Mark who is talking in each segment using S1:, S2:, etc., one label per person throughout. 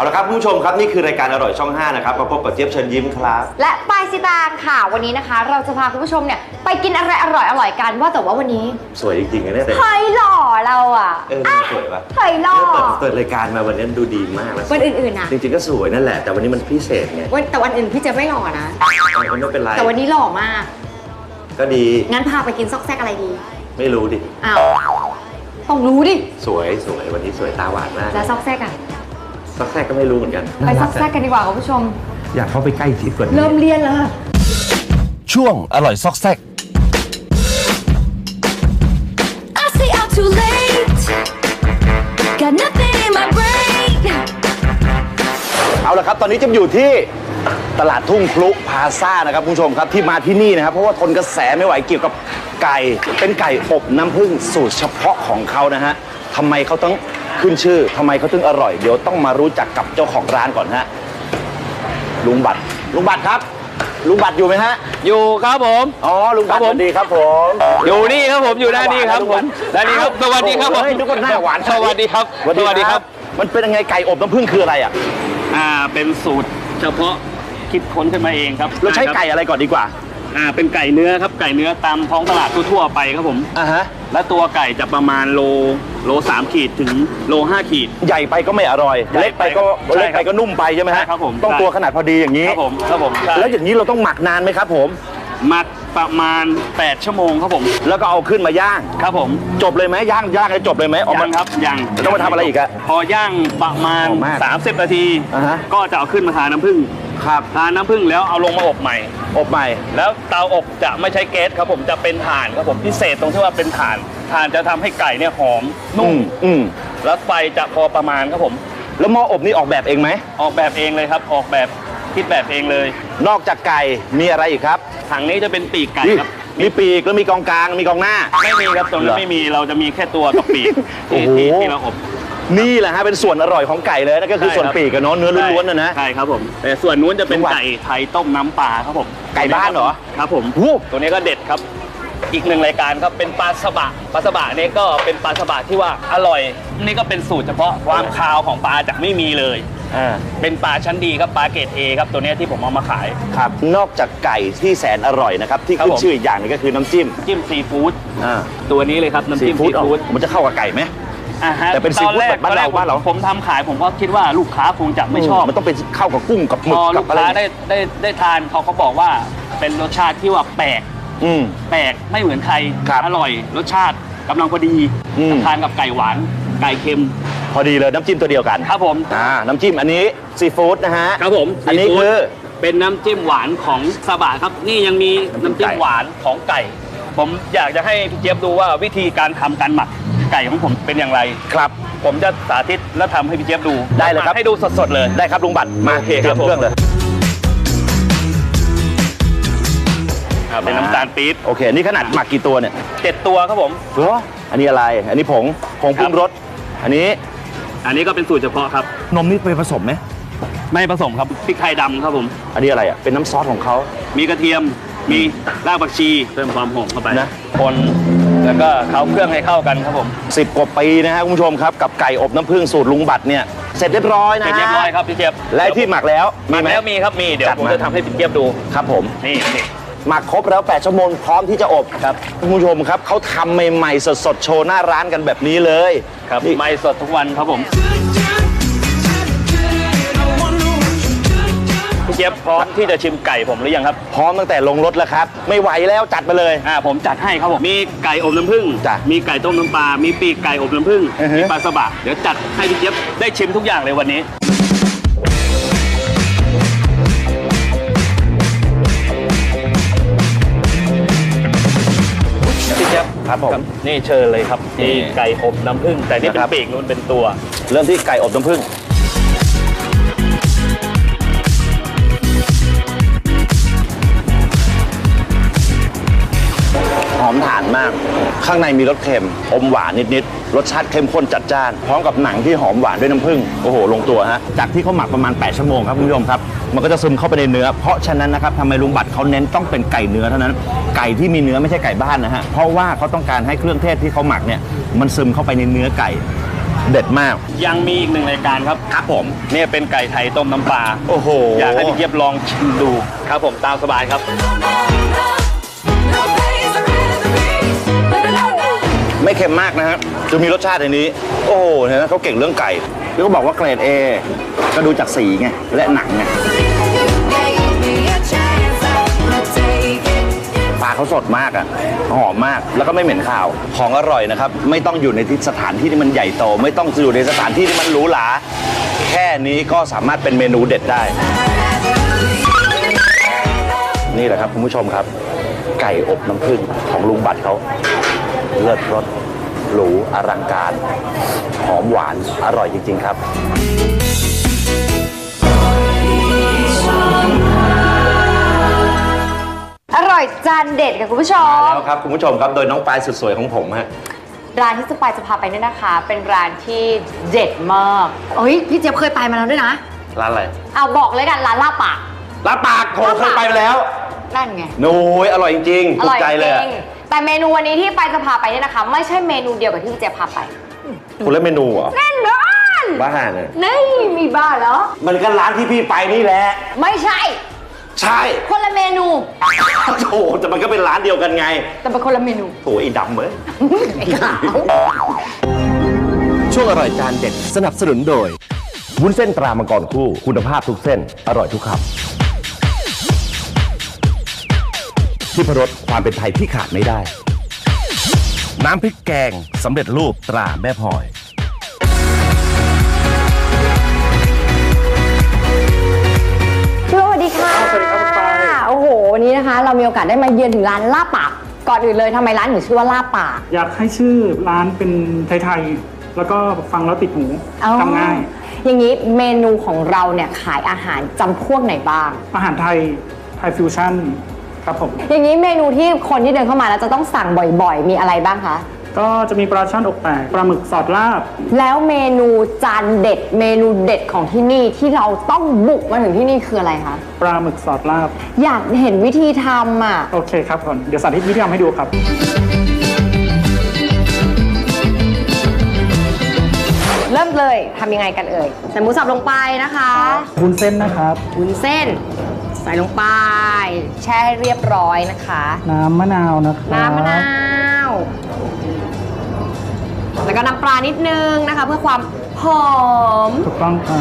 S1: เอาละครับผู้ชมครับนี่คือรายการอร่อยช่อง5นะครับมาพบกับเจี๊ยบเชิญยิ้มครับ
S2: และปายสิตางค่ะวันนี้นะคะเราจะพาคุณผู้ชมเนี่ยไปกินอะไรอร่อยกันว่าแต่ว่าวันนี้
S1: สวยจริงๆนะเนี่ย
S2: เฮ้ยหล่อเราอ่ะ
S1: สวยปะ
S2: เฮ้ยหล่อ
S1: เปิดรายการมาวันนี้ดูดีมากแล้ว
S2: วันอื่นๆนะ
S1: จริงๆก็สวยนั่นแหละแต่วันนี้มันพิเศษไง
S2: แต่วันอื่นพี่เจะไม่หล่อนะ
S1: ไม่เป็นไร
S2: แต่วันนี้หล่อมาก
S1: ก็ดี
S2: งั้นพาไปกินซอกแซกอะไรดี
S1: ไม่รู้ดิ
S2: อ้าวต้องรู้ดิ
S1: สวยวันนี้สวยตาหวานมาก
S2: แล้วซอกแซกอะ
S1: ซอกแซกก็ไม่รู้เหมือนกัน
S2: ไปซอกแซกกันดีกว่าคุณผู้ชม
S1: อยากเข้าไปใกล้ชิดกว่านี้
S2: เริ่มเรียนแล้ว
S1: ช่วงอร่อยซอกแซกเอาละครับตอนนี้จะอยู่ที่ตลาดทุ่งพลุพลาซ่านะครับคุณผู้ชมครับที่มาที่นี่นะครับเพราะว่าทนกระแสไม่ไหวเกี่ยวกับไก่เป็นไก่อบน้ำผึ้งสูตรเฉพาะของเขานะฮะทำไมเขาต้องขึ้นชื่อทำไมเขาถึงอร่อยเดี๋ยวต้องมารู้จักกับเจ้าของร้านก่อนฮะลุงบัตรครับลุงบัตรอยู่ไหมฮะ
S3: อยู่ครับผม
S1: อ๋อลุงบัตรสวัสดีครับผม
S3: อยู่นี่ครับผมอยู่ด้านนี้ครับผมด้านนี้ครับสวัสดีครับผม
S1: ทุกคนหน้าหวาน
S3: สวัสดีครับ
S1: สวัสดีครับมันเป็นยังไงไก่อบน้ำผึ้งคืออะไรอ่ะ
S3: เป็นสูตรเฉพาะคิดค้นขึ้นมาเองครับ
S1: เราใช้ไก่อะไรก่อนดีกว่า
S3: เป็นไก่เนื้อครับไก่เนื้อตามท้องตลาดทั่วๆไปครับผม
S1: ฮะ
S3: และตัวไก่จะประมาณโล3 ขีดถึงโล5 ขีด
S1: ใหญ่ไปก็ไม่อร่อยเล็กไปก็นุ่มไปใช่ไหมฮะ
S3: ครับผม
S1: ต้องตัวขนาดพอดีอย่างนี้
S3: ครับผม
S1: แล้วอย่างนี้เราต้องหมักนานไหมครับผม
S3: หมักประมาณ8 ชั่วโมงครับผม
S1: แล้วก็เอาขึ้นมาย่าง
S3: ครับผม
S1: จบเลยไหมย่างแล้วจบเลยไหม
S3: ยังครับยัง
S1: ต้องมาทำอะไรอีกอะ
S3: พอย่างประมาณ30 นาทีก็จะเอาขึ้นมาทาน้ำผึ้ง
S1: ครับ
S3: ทาน้ำผึ้งแล้วเอาลงมาอบใหม่แล้วเตาอบจะไม่ใช้แก๊สครับผมจะเป็นถ่านครับผมพิเศษตรงที่ว่าเป็นถ่านจะทำให้ไก่เนี่ยหอมนุ่มแล้วไฟจะพอประมาณครับผม
S1: แล้วหม้ออบนี่ออกแบบเองไหม
S3: ออกแบบเองเลยครับออกแบบคิดแบบเองเลย
S1: นอกจากไก่มีอะไรอีกครับ
S3: ถังนี้จะเป็นปีกไก่ครับ
S1: มีปีกแล้วมีกองกลางมีกองหน้า
S3: ไม่มีครับตรงนี้ไม่มีเราจะมีแค่ตัวกับปีกที่เราอบ
S1: นี่แหละฮะเป็นส่วนอร่อยของไก่เลยนั่นก็คือส่วนปีกกับเนื้อล้วนๆนะ
S3: ใช่ครับผมแต่ส่วนนู้นจะเป็นไก่ไทยต้มน้ำปลาครับผม
S1: ไก่บ้านเหรอ
S3: ครับผมตัวนี้ก็เด็ดครับอีกหนึ่งรายการครับเป็นปลาสบะนี่ก็เป็นปลาสบะที่ว่าอร่อยนี่ก็เป็นสูตรเฉพาะความคาวของปลาจากไม่มีเลยเป็นปลาชั้นดีครับปลาเกรด A ครับตัวนี้ที่ผมเอามาขาย
S1: ครับนอกจากไก่ที่แสนอร่อยนะครับที่ขึ้นชื่ออีกอย่างนึงก็คือน้ำจิ้ม
S3: ซีฟู้ดตัวนี้เลยครับน้ำจิ้มซีฟู้ด
S1: มันจะเข้ากับไก่ไหมแต่เป็นซีฟู้ดแบบบ้านเรา
S3: ผมทำขายผมก็คิดว่าลูกค้าคงจะไม่ชอบ
S1: มันต้องเป็นเข้ากับกุ้งกับหมึก
S3: กับอะไรลูกค้าได้ทานเขาบอกว่าเป็นรสชาติที่ว่าแปลกไม่เหมือนใครอร่อยรสชาติกำลังพอดีทานกับไก่หวานไก่เค็ม
S1: พอดีเลยน้ำจิ้มตัวเดียวกัน
S3: ครับผม
S1: น้ำจิ้มอันนี้ซีฟู้ดนะฮะ
S3: ครับผม
S1: อันนี้คือ
S3: เป็นน้ำจิ้มหวานของซาบะครับนี่ยังมีน้ำจิ้มหวานของไก่ผมอยากจะให้พี่เจี๊ยบดูว่าวิธีการทำการหมักไก่ของผมเป็นอย่างไร
S1: ครับ
S3: ผมจะสาธิตและทำให้พี่เจี๊ยบดู
S1: ได้เลยครับ
S3: ให้ดูสดๆเลย
S1: ได้ครับลุงบัตรมา
S3: เทเครื่องเลยเป็นน้ำตาลปี๊บ
S1: โอเคนี่ขนาดหมักกี่ตัวเนี่ย
S3: 7 ตัวครับผม
S1: อันนี้อะไรอันนี้ผงปรุงรสอันนี้
S3: ก็เป็นสูตรเฉพาะครับ
S1: นมนี่ไปผสมไหม
S3: ไม่ผสมครับพริกไทยดำครับผม
S1: อันนี้อะไรอ่ะเป็นน้ำซอสของเขา
S3: มีกระเทียมมีรากผักชีเพิ่มความหอมเข้าไปนะคนแล้วก็เคล้าเครื่องให้เข้ากันครับผม
S1: 10 กว่าปีนะฮะคุณผู้ชมครับกับไก่อบน้ำผึ้งสูตรลุงบัตรเนี่ยเสร็จเรียบร้อยนะ
S3: เรียบร้อยครับพี่เจี๊ยบ
S1: และที่หมักแล้ว
S3: มีครับมีเดี๋ยวผมจะทำให้พี่เจี๊ยบดู
S1: ครับผม
S3: นี่
S1: หมักครบแล้ว8 ชั่วโมงพร้อมที่จะอบครับคุณผู้ชมครับเขาทำใหม่ๆสดๆโชว์หน้าร้านกันแบบนี้เลย
S3: ครับใหม่สดทุกวันครับผมพี่เจี๊ยบพร้อมที่จะชิมไก่ผมหรือยังครับ
S1: พร้อมตั้งแต่ลงรถแล้วครับไม่ไหวแล้วจัดมาเลย
S3: ผมจัดให้ครับผมมีไก่อบน้ำผึ้งมีไก่ต้มน้ำปลามีปีกไก่อบน้ำผึ้งมีปลาสบะเดี๋ยวจัดให้พี่เจี๊ยบได้ชิมทุกอย่างเลยวันนี้พี่เจี๊ยบ
S1: ครับผม
S3: นี่เชิญเลยครับนี่ไก่อบน้ำผึ้งแต่นี่เป็นปีกนู้นเป็นตัว
S1: เริ่มที่ไก่อบน้ำผึ้งหอมถ่านมากข้างในมีรสเค็มอมหวานนิดๆรสชาติเข้มข้นจัดจ้านพร้อมกับหนังที่หอมหวานด้วยน้ำผึ้งโอ้โหลงตัวฮะจากที่เขาหมักประมาณ8 ชั่วโมงครับคุณผู้ชมครับมันก็จะซึมเข้าไปในเนื้อเพราะฉะนั้นนะครับทำไมลุงบัตรเขาเน้นต้องเป็นไก่เนื้อเท่านั้นไก่ที่มีเนื้อไม่ใช่ไก่บ้านนะฮะเพราะว่าเขาต้องการให้เครื่องเทศที่เขาหมักเนี่ยมันซึมเข้าไปในเนื้อไก่เด็ดมาก
S3: ยังมีอีกหนึ่งรายการครับ
S1: ครับผม
S3: เนี่ยเป็นไก่ไทยต้มน้ำปลา
S1: โอ้โห
S3: อยากให้พี่เจี๊ยบลองชิมดูครับผมตามสบายครับ
S1: ไม่เค็มมากนะฮะจะมีรสชาติในนี้ โอ้โหเนี่ยนะเขาเก่งเรื่องไก่แล้วก็บอกว่าเกรด A ก็ดูจากสีไงและหนังไงปลาเขาสดมากอ่ะหอมมากแล้วก็ไม่เหม็นคาวของอร่อยนะครับไม่ต้องอยู่ในที่สถานที่ที่มันใหญ่โตไม่ต้องอยู่ในสถานที่ที่มันหรูหราแค่นี้ก็สามารถเป็นเมนูเด็ดได้ นี่แหละครับคุณผู้ชมครับ ไก่อบน้ำผึ้งของลุงบัตรเขาเลิศรสหรูอลังการหอมหวานอร่อยจริง ๆ ครับ
S2: อร่อยจานเด็ดค่ะคุณผู้ชม
S1: แล้วครับคุณผู้ชมครับโดยน้องปลายสุดสวยของผมฮะ
S2: ร้านที่จะไปจะพาไปเนี่ยนะคะ เป็นร้านที่เด็ดมากเอ้ยพี่เจี๊ยบเคยไปมาแล้วด้วยนะ
S1: ร้านอะไร
S2: เอาบอกเลยกันร้านลาบปาก
S1: ร้านปากโถเคยไปมาแล้ว
S2: นั่นไง
S1: โอ้ยอร่อยจริงๆ
S2: อ
S1: ถู
S2: ร่
S1: ก
S2: อย
S1: ใจ
S2: จ
S1: เลยอะ
S2: ริงแต่เมนูวันนี้ที่ไปจะพาไปเนี่ยนะคะ ไม่ใช่เมนูเดียวกับที่พี่เจี๊ยบพาไป
S1: คุณเล่นเมนูเหรอ
S2: แน่นอน
S1: บ้าเนี่ย
S2: นี่มีบ้าเหรอ
S1: มันก็ร้านที่พี่ไปนี่แหละ
S2: ไม่ใช่
S1: ใช่
S2: คนละเมนู
S1: โถแต่มันก็เป็นร้านเดียวกันไง
S2: แต่เป็นคนละเมนู
S1: โถไอ้ดำเอ้ย
S2: ไอ้ขาว
S4: ช่วงอร่อยจานเด็ดสนับสนุนโดย วุ้นเส้นตรามังกรคู่คุณภาพทุกเส้น อร่อยทุกคำที่พรสความเป็นไทยที่ขาดไม่ได้ น้ำพริกแกงสำเร็จรูปตราแม่พลอย
S2: สวัสดีค่ะ
S5: สวัสดีครับคุณปาย
S2: โอ้โหวันนี้นะคะ เรามีโอกาสได้มาเยือนถึงร้านลาบปาก ก่อนอื่นเลยทำไมร้านถึงชื่อว่าลาบปาก
S5: อยากให้ชื่อร้านเป็นไทยๆ แล้วก็ฟังแล้วติดหู
S2: อ๋อ
S5: จำง่าย
S2: อย่างนี้เมนูของเราเนี่ยขายอาหารจำพวกไหนบ้าง
S5: อาหารไทย ไทยฟิวชั่นครับผม
S2: อย่างนี้เมนูที่คนที่เดินเข้ามาแล้วจะต้องสั่งบ่อยๆ มีอะไรบ้างคะ
S5: ก็จะมีปลาช่อนอกแตกปลาหมึกสอดลาบ
S2: แล้วเมนูจานเด็ด เมนูเด็ดของที่นี่ที่เราต้องบุกมาถึงที่นี่คืออะไรคะ
S5: ปลาหมึกสอดลาบ
S2: อยากเห็นวิธีทำอ่ะ
S5: โอเคครับผมเดี๋ยวสาธิตวิธีทำให้ดูครับ
S2: เริ่มเลยทำยังไงกันเอ่ยใส่หมูสับลงไปนะคะ
S5: วุ้นเส้นนะครับ
S2: วุ้นเส้น ใส่ลงไป แช่ให้เรียบร้อยนะคะ
S5: น้ำมะนาวนะครับ
S2: น้ำมะนาว แล้วก็น้ำปลานิดนึงนะคะ เพื่อความหอม
S5: ถูกต้องครับ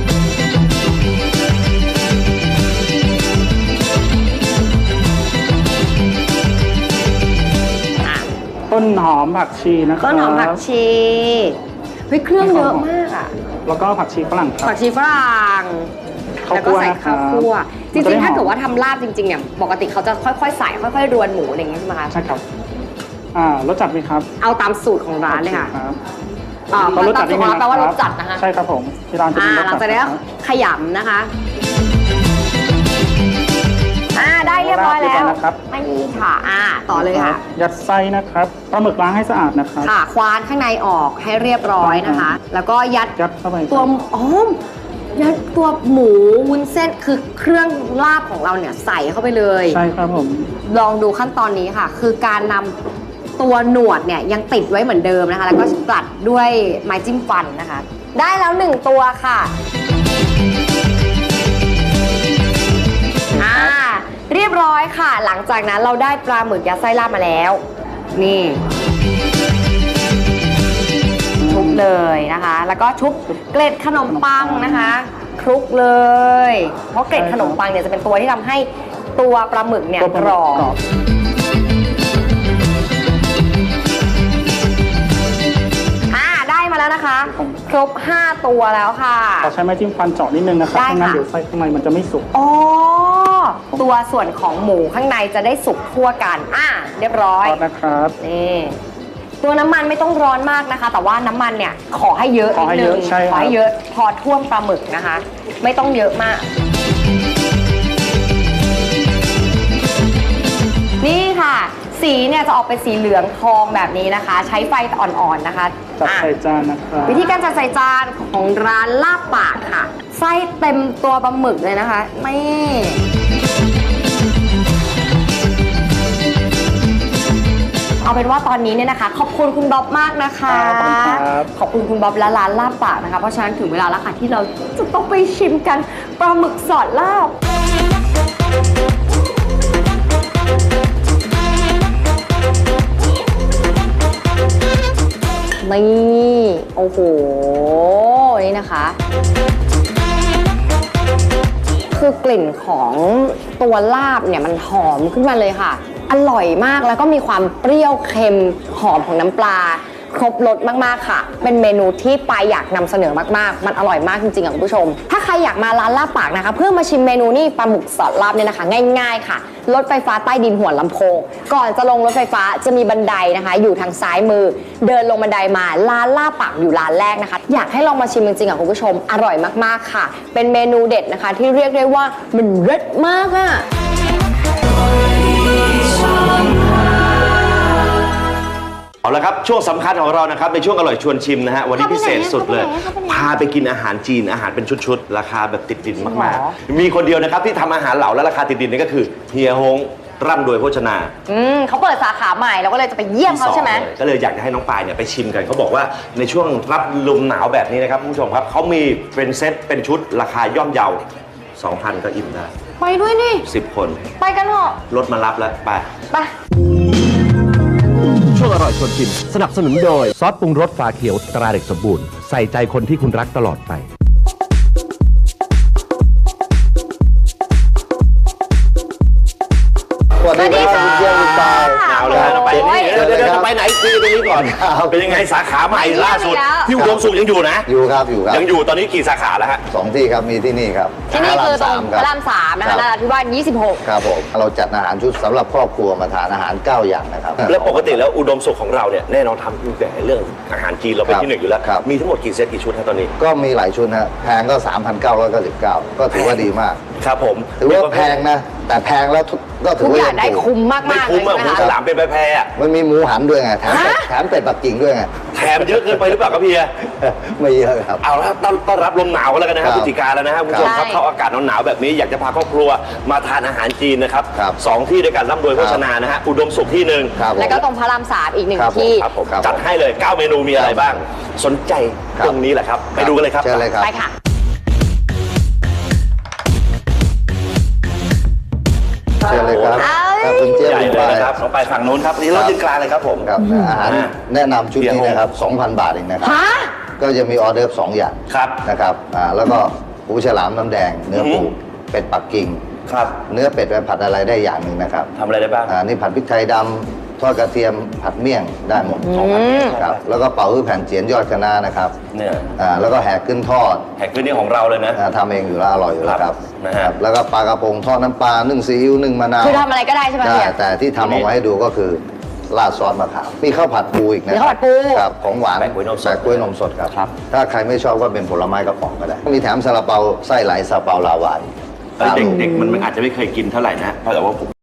S5: ต้นหอมผักชีนะครับ
S2: ต้นหอมผักชีเฮ้ยเครื่องเยอะมากอ่ะ
S5: แล้วก็ผักชีฝรั่งครับ
S2: ผักชีฝรั่ง
S5: ข้าว
S2: แล้วก็
S5: คั่ว
S2: ใส่
S5: นะครับ
S2: ข้าวคั่วจ
S5: มันจะ
S2: ริ
S5: ได้
S2: งๆ ถ้า
S5: หอม
S2: เกิดว่าทำลาบจริงๆเนี่ยปกติเขาจะค่อยๆใส่ค่อยๆรวนหมูอะไรอย่างเงี้ยใช่ไหมคะ
S5: ใช่ครับรสจัดไหมครับ
S2: เอาตามสูตรของร้านเลยค่ะ
S5: ครับ
S2: ตามสูตรของร้านแปลว่ารสจัดนะคะ
S5: ใช่ครับผมที่ร้านจะมีรส
S2: หลั
S5: จั
S2: ง
S5: ด
S2: จากนั้นก็
S5: ครับ
S2: ขยำนะคะได้เรียบร้อยแล้ว
S5: นะครับ
S2: ไม่มีค่ะต่อเลยค่ะ
S5: ยัดไส้นะครับปลาหมึกล้างให้สะอาดนะครับ
S2: ค่ะควานข้างในออกให้เรียบร้อยนะคะ แล้วก็ยัด
S5: ยัดเข้าไป
S2: ตัวยัดตัวหมูวุ้นเส้นคือเครื่องลาบของเราเนี่ยใส่เข้าไปเลย
S5: ใช่ครับผม
S2: ลองดูขั้นตอนนี้ค่ะ คือการนำตัวหนวดเนี่ยยังติดไว้เหมือนเดิมนะคะ แล้วก็กลัดด้วยไม้จิ้มฟันนะคะ ได้แล้ว1ตัวค่ะเรียบร้อยค่ะ หลังจากนั้นเราได้ปลาหมึกยัดไส้ลาบมาแล้ว นี่ชุบเลยนะคะ แล้วก็ชุบเกล็ดขนมปังนะคะคลุกเลย เพราะเกล็ดขนมปังเนี่ยจะเป็นตัวที่ทำให้ตัวปลาหมึกเนี่ย
S5: ตัวปลาหมึ
S2: กรอบ
S5: กรอบ
S2: ได้มาแล้วนะคะ ครบ 5 ตัวแล้วค่ะ
S5: ขอใช้ไม้จิ้มฟันเจาะนิดนึงนะครับ
S2: ได้
S5: ไม่งั้น
S2: ค่ะ
S5: เดี๋ยวไส้ข้างในมันจะไม่สุก
S2: อ๋อตัวส่วนของหมูข้างในจะได้สุกทั่วกันเรียบร้อย
S5: ทอดนะครับ
S2: นี่ตัวน้ำมันไม่ต้องร้อนมากนะคะ แต่ว่าน้ำมันเนี่ยขอให้เยอะ
S5: ขอให้
S2: นิด
S5: เย
S2: นึ
S5: อะ
S2: ง
S5: ใช่ครับ
S2: ขอให้เยอะพอท่วมปลาหมึกนะคะ ไม่ต้องเยอะมาก นี่ค่ะ สีเนี่ยจะออกเป็นสีเหลืองทองแบบนี้นะคะ ใช้ไฟอ่อนๆนะคะ
S5: จัด
S2: อ่ะ
S5: ใส่จานนะครับ
S2: วิธีการจัดใส่จานของร้านลาบปากค่ะไส้เต็มตัวปลาหมึกเลยนะคะไม่เอาเป็นว่าว่าตอนนี้เนี่ยนะคะขอบคุณคุณบ๊อบมากนะคะ
S5: ครับ
S2: ขอบคุณคุณบ๊อบและร้านลาบปากนะคะเพราะฉะนั้นถึงเวลาแล้วค่ะที่เราจะต้องไปชิมกันปลาหมึกสอดลาบนี่โอ้โหนี่นะคะ คือกลิ่นของตัวลาบเนี่ยมันหอมขึ้นมาเลยค่ะ อร่อยมากแล้วก็มีความเปรี้ยวเค็มหอมของน้ำปลา ครบรสมากๆค่ะ เป็นเมนูที่ปายอยากนำเสนอมากๆมันอร่อยมากจริงๆค่ะคุณผู้ชม ถ้าใครอยากมาร้านลาบปากนะคะ เพื่อมาชิมเมนูนี่ปลาหมึกสอดลาบเนี่ยนะคะ ง่ายๆค่ะรถไฟฟ้าใต้ดินหัวลำโพงก่อนจะลงรถไฟฟ้าจะมีบันไดนะคะ อยู่ทางซ้ายมือ เดินลงบันไดมาร้านลาบปากอยู่ร้านแรกนะคะ อยากให้ลองมาชิมจริงๆค่ะคุณผู้ชมอร่อยมากๆค่ะ เป็นเมนูเด็ดนะคะ ที่เรียกได้ว่ามันเลิศมากอะ
S1: เอาละครับช่วงสำคัญของเรานะครับในช่วงอร่อยชวนชิมนะฮะวันนี้พิเศษสุดเลย พาไปกินอาหารจีนอาหารเป็นชุดๆราคาแบบติดดินมากๆมีคนเดียวนะครับที่ทำอาหารเหลาและราคาติดดินนี่ก็คือเฮียฮงร่ำรวยโภชนา
S2: เขาเปิดสาขาใหม่เราก็เลยจะไปเยี่ยมเขาใช่ไหม
S1: ก็เลยอยากจะให้น้องปายเนี่ยไปชิมกันเขาบอกว่าในช่วงรับลมหนาวแบบนี้นะครับคุณผู้ชมครับเขามีเป็นเซตเป็นชุดราคาย่อมเยา 2,000 ก็อิ่มได้
S2: ไปด้วยนี่
S1: 10 คน
S2: ไปกันเถอะ
S1: รถมารับแล้วไป
S2: ไป
S4: ช่วงอร่อยชวนชิมสนับสนุนโดย ซอสปรุงรสฝาเขียวตราเด็กสมบูรณ์ใส่ใจคนที่คุณรักตลอดไป
S6: สวัสดีครับคุณเชียร์คุณปาย
S1: เอาเลยเราไปนี่เดี๋ยวจะไปไหนคุยตรงนี้ก่อน เป็นยังไงสาขาใหม่ล่าสุดที่อุดมสุขยังอยู่นะ
S6: อยู่ครับอยู่ครับ
S1: ยังอยู่ตอนนี้กี่สาขาแล้วฮะ
S6: 2 ที่ครับมีที่นี่ครับ
S2: ที่นี่คือตรงพ
S6: ค
S2: ระ
S6: บ
S2: ราม3นะคะ
S6: รับ
S2: นราธิวาส26
S6: ครับผมเราจัดอาหารชุดสำหรับครอบครัวมาทานอาหาร 9 อย่างนะครับ
S1: แล้วปกติแล้วอุดมสุขของเราเนี่ยแน่นอนทำแต่เรื่องอาหารจีนเราเป็น
S6: ครับ
S1: ที่หนึ่งอยู่แล้ว
S6: ครับ
S1: มีทั้งหมดกี่เซตกี่ชุดฮะตอนนี้
S6: ก็มีหลายชุดนะแพงก็ 3,999 ก็ถือว่าดีมาก
S1: ครับผม
S6: ถือว่าแพงนะ แต่แพงแล้วก็ถื
S2: ทุ
S6: อก ว่า
S2: อย่างได้
S6: ถูก
S2: คุ้มมาก
S1: ไม่
S2: ๆเล
S1: คุ้ม
S2: ย
S1: อะ
S2: ใช่ไหม
S1: หมู
S2: คะ
S1: ฉลามเป็นแพรๆอะ
S6: มันมีหมูหันด้วยไงแถมเป็ดปักกิ่งด้วยไง
S1: แถมเยอะเกินไปหรือเปล่าครับเพีย
S6: ไม่เยอะครับ
S1: เอาละต้อนรับลมหนาวกันแล้วกันนะครับ
S6: ครับ
S1: พฤศจิกาแล้วนะครับคุณผู้ชมครับ
S2: ใช่
S1: เข้าอากาศหนาวๆแบบนี้อยากจะพาครอบครัวมาทานอาหารจีนนะครับ
S6: ครับ
S1: สองที่ด้วยกันร่ำรวยโภชนานะฮะอุดมสุขที่หนึ่ง
S6: ครับผม
S2: แล้วก็ตรงพระราม3อีกหนึ่ง
S6: ครับผม
S2: ที่
S1: ครับผม
S6: ครับ
S1: จัดให้เลย 9 เมนูมีอะไรบ้าง สนใจ
S6: ครับ
S1: ตรงนี้แหละครับ ไปดูกันเลยครับ
S6: เชิญเลยครับ
S2: ไปค่ะ
S6: เชิญเลยครับครับคุณเจี๊ยบ
S1: ใหญ่
S6: คุณ
S1: เลย
S6: ปาย
S1: นะครับลงไปฝั่งนู้นครับนี่เรายืนกลางเลยครับผม
S6: ครับอาหาร
S1: อ่า
S6: แนะนำชุดนี้นะครับ 2,000 บาทเองนะครับ
S2: ฮะ
S6: ก็จะมีออเดิร์ฟ2 อย่าง
S1: ครับ
S6: นะครับแล้วก็หูฉลามน้ำแดง เนื้อปู
S1: อือฮึ
S6: เป็ดปักกิ่ง
S1: ครับ
S6: เนื้อเป็ดไปผัดอะไรได้อย่างหนึ่งนะครับ
S1: ทำอะไรได้บ้าง
S6: นี่ผัดพริกไทยดำทอดกระเทียมผัดเมี่ยงได้หมด ครับแล้วก็เป่าฮื้อแผ่นเจียนยอดคะน้านะครับ
S1: เนี่ย
S6: แล้วก็แหกขึ้นทอด
S1: แห่คืนนี้ของเราเลยนะ
S6: ทำเองอยู่แล้วอร่อยอยู่แล้วครับ
S1: นะฮะ
S6: ครับแล้วก็ปลากระพงทอดน้ำปลานึ่งซีอิ๊วนึ่งมะนาว
S2: คือทำอะไรก็ได้ใช่ไหม
S6: ได้
S2: เนี่ย
S6: แต่ที่ทำเอาไว้ให้ดูก็คือราดซอสมะขามมีข้าวผัดปูอีกนะ
S2: มีข้าวผัดปู
S6: ครับของหวาน
S1: แปะกล้วยนมสด
S6: แปะกล้วยนมสดครับ ถ้าใครไม่ชอบก็เป็นผลไม้กระป๋องก็ได้ มีแถมซาลาเปาไส้ไหลซาลาเปาลาวา
S1: เด็กๆมันอาจจะไม่เคยกินเท่าไหร่นะเพราะแต่ว่าผม